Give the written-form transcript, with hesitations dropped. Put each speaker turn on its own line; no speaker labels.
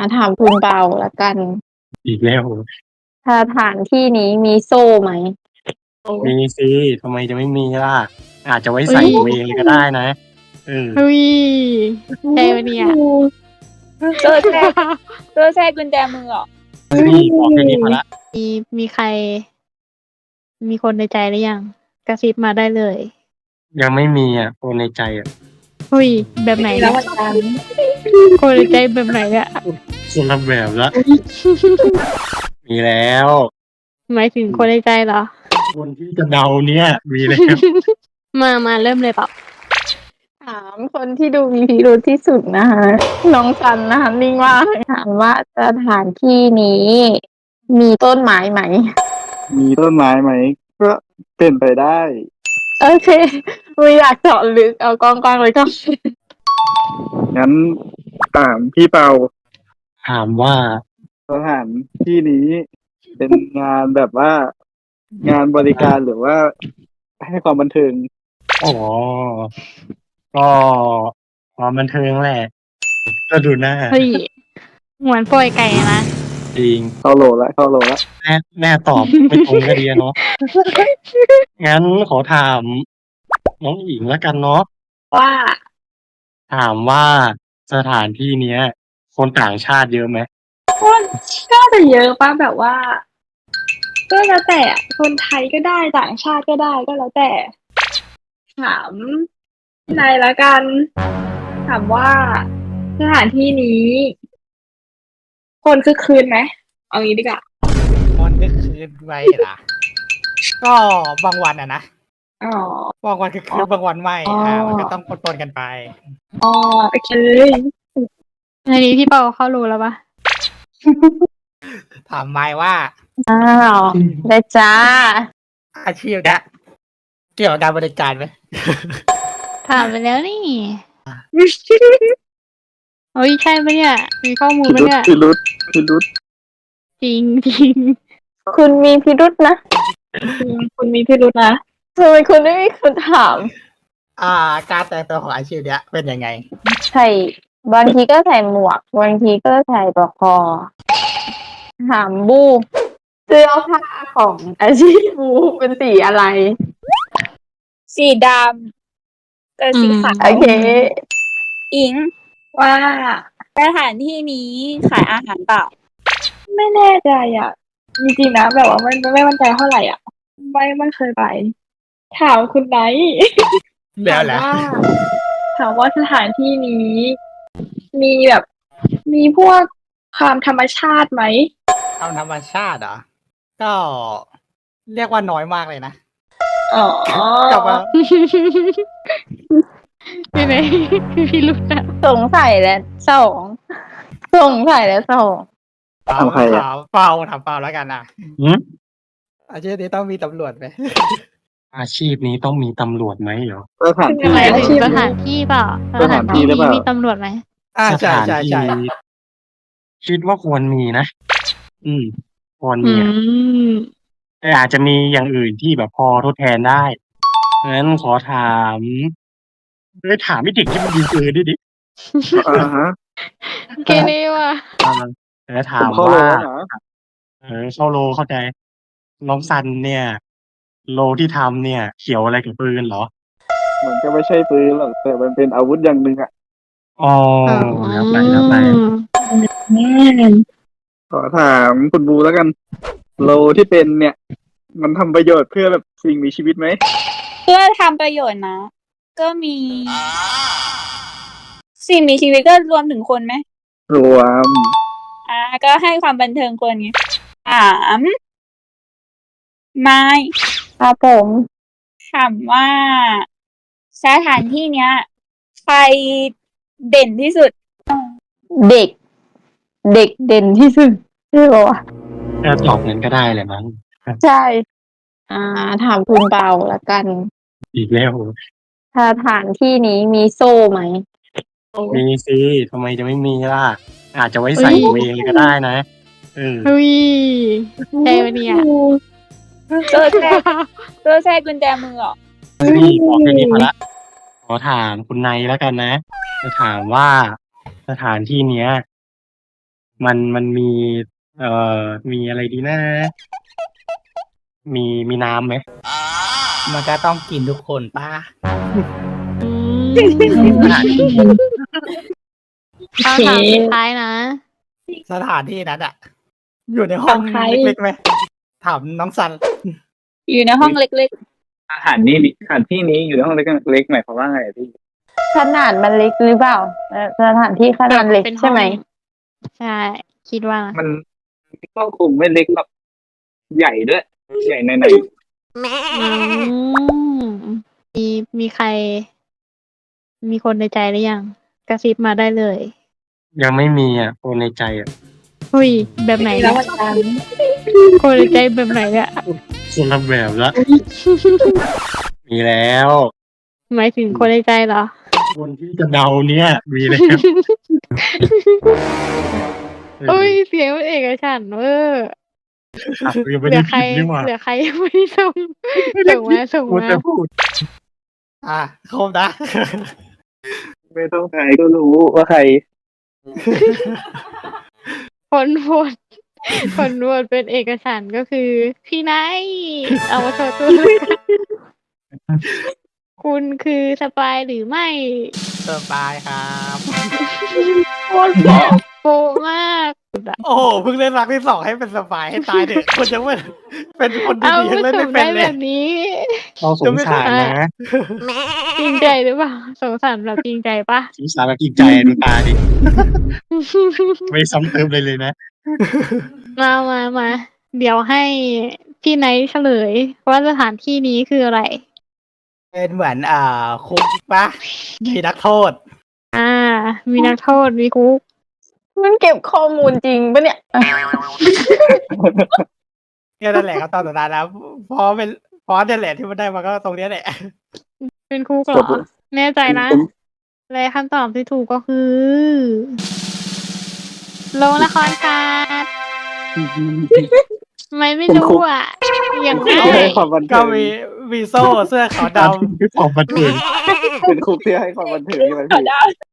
ถามคุณเปาละกัน
อีกแล้ว
สถานที่นี้มีโซ่ไหม
มีสิทำไมจะไม่มีล่ะอาจจะไว้
เฮ้
ใส่
ย
ตัวเองเลยก็ได้นะ
เฮ้ยใช่ปะเนี่ย
เจอแทรกกุญแจมือเหรอ
นี่บอกแค่นี้พอละ
มีใคร มีคนในใจหรือยังกระซิบมาได้เลย
ยังไม่มีอ่ะคนในใจอ่ะ
เฮ้ยแบบไหน
แล้
เนี่
วย วันจันทร์
คนในใจแบบไหนเนี่ย
คนละแบบละมีแล้ว
หมายถึงคนในใจเหรอ
คนที่จะเดาเนี่ยมีแล้ว
มาเริ่มเลยเปล่า
ถามคนที่ดูมีพิรุธที่สุดนะคะน้องซันนะคะนิ่งว่ากถามว่าสถานที่นี้ มีต้นไม้ไหม
มีต้นไม้ไหมก็เป็นไปได้
โอเคไม่อยากเจาะลึกเอากว้างๆเลยก็
งั้นถามพี่เปา
ถามว่า
สถานที่นี้เป็นงานแบบว่า งานบริการหรือว่าให้ความบันเทิง
อ๋อก็ความบันเทิงแหละ ก็ดูหน้า
เฮ้ยเหมือนปล่อยไก่นะ
จริง
เข้าโหลละ
แม่ตอบไม่ตรงก็ดีอะเนาะงั้นขอถามน้องอิงแล้วกันเนาะ
ว่า
ถามว่าสถานที่เนี้ย คนต่างชาติเยอะไหม
ก็จะเยอะป่ะแบบว่า ก็แล้วแต่อะคนไทยก็ได้ต่างชาติก็ได้ก็แล้วแต่ ถามนายละกัน ถามว่าสถานที่นี้ คนคึกคืนไหมเอางี้ดีกว่า
คนก็คืนไปล่ะ ก็บางวันอะนะ
อ๋อบ
างวันคือคืนบางวันไม่
อ๋ออ่
มันก็ต้องปนๆกันไป
อ๋อโอเค
อันนี้พี่เปาเข้ารู้แล้วปะ
ถามไม้ว่า
อ้าวได้จ้า
อาชีพเนี้ยเกี่ยวกับการบริการไหม
ถามไปแล้วนี่เฮ้ยใช่ปะเนี่ย มีข้อมูล
พิ
ปะ
รุษ
เนี่ย
พิรุษ
จริงจริง
คุณมีพิรุธนะ
คุณมีพิรุธนะ
ทำไมคุณไม่มีคนถาม
การแต่งตัวของอาชีพเนี้ยเป็นยังไง
ใส่บางทีก็ใส่หมวกบางทีก็ใส่ปลอกคอถามบูเสื้อผ้าของอาชีพบูเป็นสีอะไร
สีดำกับสีขาว
โอเค
อิงว่าสถานที่นี้ขายอาหารเปล่า ไม่แน่ใจอ่ะจริงๆนะแบบว่าไม่มั่นใจเท่าไหร่อ่ะ ไม่เคยไป ถามคุณไนท์
แล้วแหละ
ถามว่าสถานที่นี้ มีแบบ มีพวกความธรรมชาติไหม
เอาธรรมชาติเหรอ ก็เรียกว่าน้อยมากเลยนะ
อ๋อ
กลับมา
ไม่ไหนพี่รู้แล้ว
สงสัยแล้วสองสงสัยแล้วสอง
ถามใครอะ
ถามเปล่าแล้วกันนะ
หืม
อาชีพนี้ต้องมีตำรวจไหม
อาชีพนี้ต้องมีตำรวจไหมเหรอ
สถานที่
หมาย
อา
ถึ
ชี
ง
พ
สถานที่เปล่า
สถานที่หรือเปล่า
มีตำรวจไหม
ส
ใช่
ถาน
ใช่
ที่
ใช่
คิดว่าควรมีนะ ควร
อื
มีอะ
ม
แต่อาจจะมีอย่างอื่นที่แบบพอทดแทนได้งั้นขอถามถามไม่เด็กที่มันยิงปืนดิ
อ่าฮะ
เกเรว่ะ
แล้ว
ผ
ถาม
มเข้าโหล
ว่า
แล้วเหรอ
เข้าโลเข้าใจ น้องซันเนี่ย โลที่ทำเนี่ย เขียวอะไรกับปืนเหรอ
มันก็ไม่ใช่ปืนหรอกแต่มันเป็นอาวุธอย่างหนึ่งอะ
อ๋อแล้วไป
ขอถามคุณบูแล้วกัน โลที่เป็นเนี่ย มันทำประโยชน์เพื่อแบบสิ่งมีชีวิตไหม
เพื่อทำประโยชน์นะ ก็มี สิ่งมีชีวิตก็รวมถึงคนไหม
รวม
ก็ให้ความบันเทิงคนไงถามไม่
ครับผม
ถามว่าสถานที่เนี้ยใครเด่นที่สุด
เด็ก เด็กเด่นที่สุดใช่ปะวะ
ตอบนั้นก็ได้แหละมั้ง
ใช่ ถามคุณเปาละกัน
อีกแล้ว
สถานที่นี้มีโซ่ไหม
มีสิทำไมจะไม่มีล่ะ อาจจะไว้ใส่ตัวเองเลยก็ได้นะ
เฮ้ยใช่ปะเนี่ย
เจอแทรกกุญแจมือเหรอ
นี่บอกแค่นี้พอละ ขอถามคุณไนแล้วกันนะ จะถามว่าสถานที่เนี้ยมันมี เอ่มีอะไรดีนะ มีน้ำไหม
มันก็ต้องกินทุกคนป้า
อืม
สถานที่
คำถามสุดท้ายนะ
สถานที่นั้นอะอยู่ในห้อง
ของใคร
เล็กๆไหมถามน้องซัน
อยู่ในห้องเล็ก
สถานที่นี้อยู่ในห้องเล็กหมายความว่าไงอะพี่
ขนาดมันเล็กหรือเปล่าสถานที่ขนาดเล็ก
เป็นห้อง
ใช่ไหม
ใช่ คิดว่านะ
มันก็คงไม่เล็กแบบใหญ่ด้วย ใหญ่ใน
อืมมีใคร มีคนในใจหรือยัง กระซิบมาได้เลย
ยังไม่มีอ่ะคนในใจอ่ะ
หุยแบบไหน
ๆ แล้
เนี่
วย วันจันทร์
คนในใจแบบไหนเนี่ย
คนละแบบละ มีแล้ว
หมายถึงคนในใจเหรอ
คนที่จะเดาเนี่ย มีแล้ว
โอ้ยเสียงมันเอกฉันท์เวอร์
อ่ะยัง
เห
ไม่
ลื
ได้
อใคร
ผิดนี่หว่า
เหลือใครยังไม่ได้ส่งส่ง
พูด
มา
แต่พูด
ครบนะ
ไม่ต้องใครก็รู้ว่าใคร
คนโหวตคนโหวตเป็นเอกฉันท์ก็คือ พี่ไนท์เอามาโชว์ตัวเลยค่ะคุณคือสปายหรือไม่
สบายครับ
โปะมาก
โอ้โหเพิ่งเล่นรักที่2ให้เป็นสบายให้ตายเด็กคนยังไม่เป็นคน
เอา
ดีๆยังเล่น
ส่
ไม่
ง
เป็น
ได้
เล
แบ
ย
บนี้
เราสงสารนะ
จริงใจหรือเปล่าสงสารแบบจริงใจปะ
สงสารแบบจริงใจดูตาดิ ไม่ซ้ำเติมเลยนะ
มา เดี๋ยวให้พี่ไนท์เฉลยว่าสถานที่นี้คืออะไร
เป็นเหมือนคุกปะมีนักโทษ
มีนักโทษมีคุก
มันเก็บข้อมูลจริงปะเนี่ย
เนี่ยนั่นแหละครับตอนสุดท้ายแล้วพอเนี่ยแหละที่มันได้มาก็ตรงเนี้ยแหละ
เป็นคุกเหรอ แน่ใจนะ และคำตอบที่ถูกก็คือโรงละครศาสตร์ไม่รู้อ่ะ อย่าง
คุก
ง่า
ที่ให้
ย
ความบัน
ก็
เทิง
มีโซ่เสื้อขาวดำ
คือความบันเทิง
เป็นคุกที่ให้ความบันเทิงใช่ไหมพี่